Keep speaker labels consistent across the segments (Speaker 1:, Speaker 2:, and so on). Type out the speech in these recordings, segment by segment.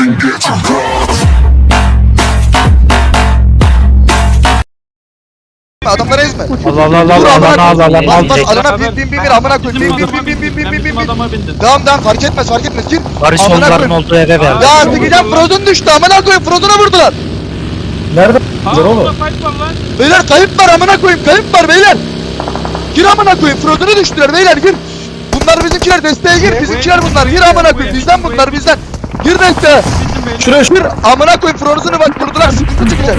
Speaker 1: Adamları ezme.
Speaker 2: Allah
Speaker 1: Alana bin amına koy. Bin. Devam fark etmez gir.
Speaker 2: Barış onların olduğu eve verdi.
Speaker 1: Ya sıkacağım Frozen düştü amına koyayım Frozen'a vurdular.
Speaker 3: Nerede? Oğlum.
Speaker 1: Beyler kayıp var amına koyayım kayıp var beyler. Gir amına koyayım Frozen'a düştüler beyler gir. Bunlar bizimkiler desteğe gir bizimkiler bunlar gir amına koyayım bizden bunlar bizden. Gir desteğe.
Speaker 3: Şuraya
Speaker 1: Gir amına koyayım Frozen'ı bak vurdular sıkıntı çıkacak.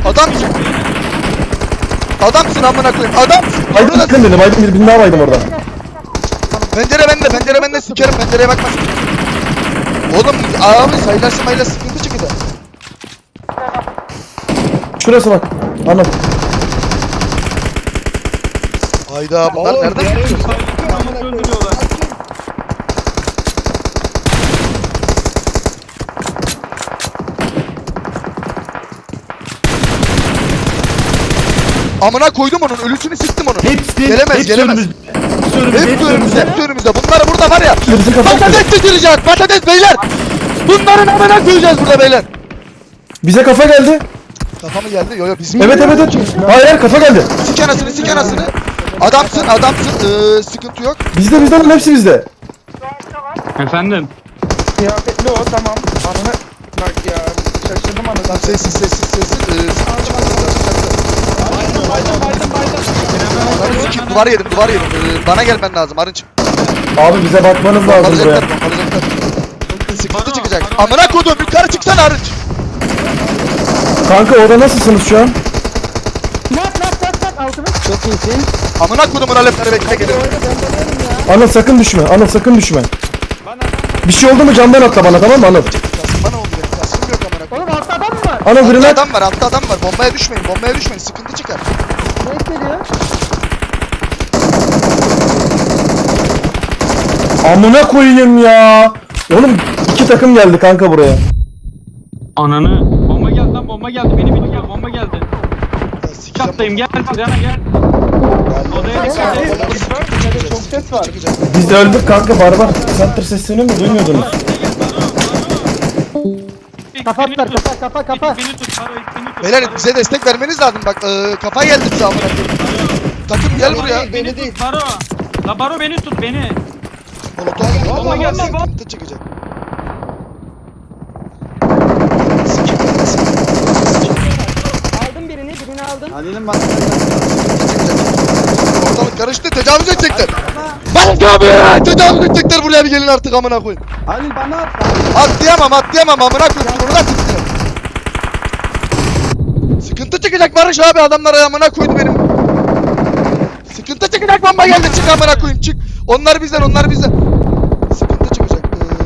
Speaker 1: Adamsın amına koyayım adamsın.
Speaker 3: Aydın yakın dedim. Aydın bir daha baydım orada.
Speaker 1: Pencere bende sikerim pencereye bakma. Oğlum abi sayılarsın mayla sıkıntı çıkacak.
Speaker 3: Şurası bak. Anladım.
Speaker 1: Hayda bunlar nereden çıkıyor? Amına koydum onun ölüsünü siktim onun. Gelemez. Hep önümüzde. Bunlar burada var ya. Patates getirecek patates beyler. Bunların amına koyacağız burada beyler.
Speaker 3: Bize kafa geldi.
Speaker 1: Kafa mı geldi? Yo bizim.
Speaker 3: Evet. Hayır kafa geldi.
Speaker 1: Sik anasını. Adamsın. Sıkıntı yok.
Speaker 3: Bizde lan hepsi bizde.
Speaker 4: Efendim.
Speaker 5: Kıyafetli o tamam. Ananı bak ya şaşırdım
Speaker 1: Tamam
Speaker 5: anasını.
Speaker 1: sessiz. Duvar yedim. Bana gelmen lazım Arınç.
Speaker 3: Abi bize bakmanız lazım buraya.
Speaker 1: Bombalayacaklar. Sıkıntı çıkacak. Amına kodum yukarı çıksana Arınç.
Speaker 3: Kanka orada nasılsınız şu an?
Speaker 5: Çok iyisin.
Speaker 1: Amına kodumun alepleri bekle gelir.
Speaker 3: Anıl sakın düşme. Bir şey oldu mu camdan atla bana tamam mı Anıl?
Speaker 1: Bana oldu benim. Kasım yok amına kodum.
Speaker 5: Oğlum altta adam mı var?
Speaker 3: Anıl birine
Speaker 1: Altta adam var. Bombaya düşmeyin. Sıkıntı çıkar.
Speaker 5: Ne geliyor?
Speaker 3: amına koyayım ya. Oğlum 2 takım geldi kanka buraya.
Speaker 4: Ananı. Bomba geldi lan bomba geldi. Beni biliyor bomba geldi. Çattayım gel Yana gel. Odaya dikkat et.
Speaker 5: Çok ses var.
Speaker 3: Biz de öldük kanka barbar. Center sesini mi duymuyordunuz?
Speaker 5: Kapatlar kafa.
Speaker 4: Beni tut Faro beni tut.
Speaker 1: Beyler bize destek vermeniz lazım bak. Kafa geldi bize amına koyayım. Takım gel buraya.
Speaker 4: Beni tut Faro. La Baro beni tut beni.
Speaker 1: Molotov
Speaker 4: geldi.
Speaker 1: sıkıntı çıkacak.
Speaker 5: Aldım birini aldım.
Speaker 1: Ortalık karıştı tecavüz edecekler. Bak abi tecavüz edecekler buraya bir gelin artık amına koyayım.
Speaker 5: Halil bana at.
Speaker 1: Atlayamam amına koyayım orada sıkıntı. Sıkıntı çıkacak Barış abi adamlar amına koydu benim. Sıkıntı çıkacak bomba geldi çık amına koyayım çık. Onlar bizden. Sıkıntı çıkacak.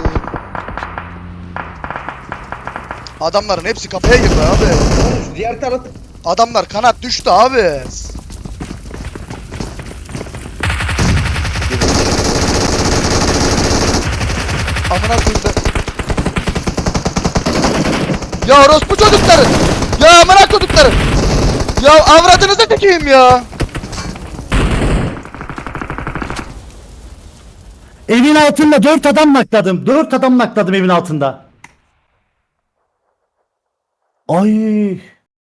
Speaker 1: Adamların hepsi kafaya girdi abi.
Speaker 5: Diğer taraf.
Speaker 1: Adamlar kanat düştü abi. Amına koyayım. Ya orospu çocukları. Ya amına koydukları. Ya avradınızı tekeyim ya.
Speaker 2: Evin altında 4 adam nakladım. 4 adam nakladım evin altında. Ay.